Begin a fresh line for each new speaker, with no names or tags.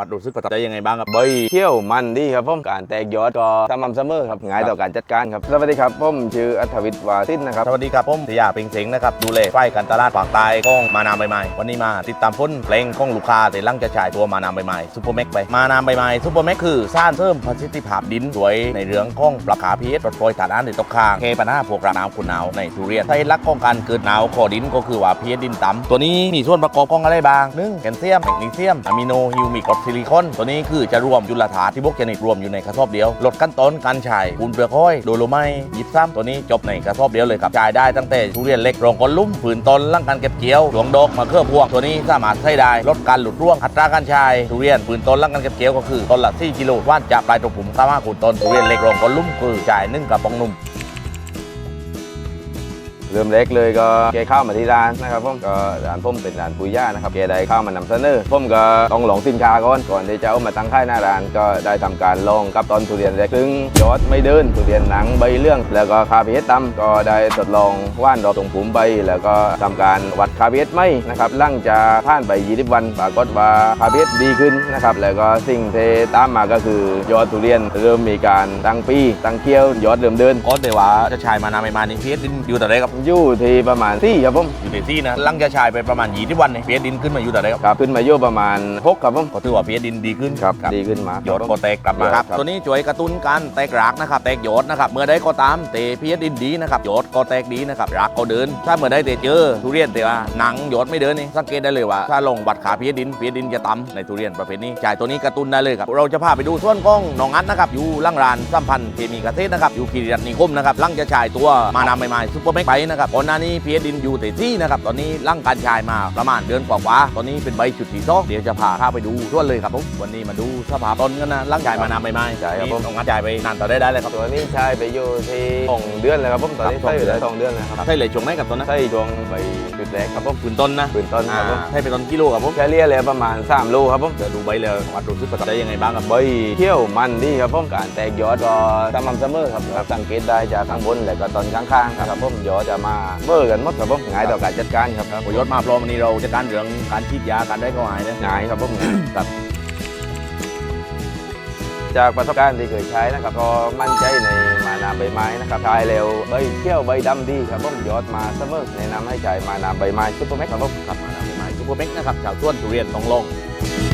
วัดรู้สึกประทับใจยังไงบ้างครับ
ใบเที่ยวมันดีครับผมการแตกยอดก็สม่ำเสมอครับง่ายต่อการจัดการครับสวัสดีครับผมชื่ออัธวิทย์วาสินนะครับ
สวัสดีครับผมสยาเพ็งเสงนะครับดูแลฝ่ายการตลาดภาคใต้ของมานามใบไม้วันนี้มาติดตามผลเพลงของลูกค้าแต่ลังจะฉายตัวมานามใบไม้ซุปเปอร์แม็กไปมานามใบไม้ซุปเปอร์แม็กคือสร้างเพิ่มประสิทธิภาพดินสวยในเรื่องของปรับขาพีเอสลดปล่อยถ่านน้ำในตกค้างแก้ปัญหาพวกระหนาวขุ่นหนาวในทุเรียนสาเหตุหลักของการเกิดหนาวขอดินก็คือว่าพีเอสดินต่ำตัวนี้มีส่วนประกอบของอะไรบ้าง1แคลเซียมแมกนีเซียมอะมิโนฮิวมิกกรดซิลิคอนตัวนี้คือจะรวมจุลธาตุที่พวกชนิดรวมอยู่ในกระสอบเดียวลดขั้นตอนการใช้ปูนเปลือกห้อยโดโลไมต์ยิบซ้ำตัวนี้จบในกระสอบเดียวเลยครับจ่ายได้ตั้งแต่ทุเรียนเล็กรองก้นลุ่มผืนต้นร่างการเก็บเกี่ยวหลวงดอกมาเคลือบพวงตัวนี้สามารถใช้ได้ลดการหลุดร่วงอัตราการใช้ทุเรียนผืนต้นร่างการเก็บเกี่ยวก็คือต้นละ4กิโลว่านจะปลายตัวผมข้าวขูดต้นทุเรียนเล็กรองก้นลุ่มคือจ่าย1กระป๋องนม
เริ่มเล็กเลยก็แกเข้ามาที่ร้านนะครับผมก็ร้านผมเป็นร้านปุยย่านะครับแกได้เข้ามานำเสนอผมก็ต้องลองสินค้าก่อนที่จะเอามาตั้งค่ายหน้าร้านก็ได้ทำการลองกับตอนทุเรียนเล็กซึ่งยอดไม่เดินทุเรียนหนังใบเลื่องแล้วก็คาเฟ่ต่ำก็ได้ทดลองว่านดอกตรงผมใบแล้วก็ทำการวัดคาเฟ่ไม่นะครับหลังจากผ่านไป20 วันปรากฏว่าคาเฟ่ดีขึ้นนะครับแล้วก็สิ่งที่ตามมาก็คือยอดทุเรียนเริ่มมีการตั้งปีตั้งเกี้ยวยอดเริ่มเดิน
ก็แต่ว่าจะใช้มานามใบไม้นี่พีเอสดินอยู่แต่ไหนครับ
อยู่ที่ประมาณ4ครับผม
อยู่ในที่นะลังจะฉายไปประมาณ20 วันเนี่ยพีเอสดินขึ้นมาอยู่แต่ไหนครับ
ครับขึ้นมาอยู่ประมาณ6ครับผม
ก็ถือว่าพีเอสดินดีขึ้น
ครับดีขึ้นมาก
ยอดก็แตกกลับมาครับตัวนี้ช่วยกระตุ้นการแตกรากนะครับแตกยอดนะครับเมื่อใดก็ตามเตะพีเอสดินดีนะครับยอดก็แตกดีนะครับรากก็เดินถ้าเมื่อใดเตะเจอทุเรียนแต่ว่าหนังยอดไม่เดินนี่สังเกตได้เลยว่าถ้าลงวัดขาพีเอสดินจะต่ำในทุเรียนประเภทนี้จ่ายตัวนี้กระตุ้นได้เลยครับเราจะพาไปดูส่วนของหนองอัดนะครับอยู่ล่างรานสัมพันธ์เคมีเกษตรนะครับอยู่คีรีรัตน์นิคมนะครับลังจะฉายตัวมานามใหม่ๆซุปเปอร์แม็กไปนะครับก่อนหน้านี้พีเอสดินอยู่ที่นะครับตอนนี้ร่างการชายมาประมาณเดือนกว่าตอนนี้เป็นใบจุดที่2เดี๋ยวจะพาข้าไปดูทั่วเลยครับผมวันนี้มาดูสภาพต้นกันนะร่างชายมานานใหม่
ใช่ครับผม
ต้องงัดชายไปนานต่อได้เลยครับ
ตัวนี้ใช้ไปอยู่ที่2 เดือนเลยครับผมตอนนี้ใช้อยู่ได้2 เดือนนะครับ
ใช่เลยช่วงไหนกับต้นนะ
ใช้ช่วงใบจุดแรกครับผม
ปืนต้นนะ
ปืนต้นครับผม
ใช่เป็นต้นกิโลครับผม
เฉลี่ยเลยประมาณ3 โลครับผม
จะดูใบเลยวัดรู้สึกประทับใจยังไงบ้างครับ
ใบเที่ยวมันดีครับผมการแตกยอดก็สม่ำเสมอครับสังเกตได้จากข้างบนและก็ตอนข้างๆครับผมยอดจะมาเบอร์กันหมดครับผมง่ายต่อการจัดการครับ
ยอดมาพร้อมวันนี้เราจะการเรื่องการฉีดยาการได้ก็หายนะ
ง่ายครับผม
ครับ
จากประสบการณ์ที่เคยใช้นะครับก็มั่นใจในมานามใบไม้นะครับใช้เร็วใบเที่ยวใบดำดีครับผมยอดมาเสมอแนะนำให้ใช้มานามใบไม้ซุปเปอร์แม็กครับผม
ครับมานามใบไม้ซุปเปอร์แม็กนะครับชาวสวนทุเรียนต้องลอง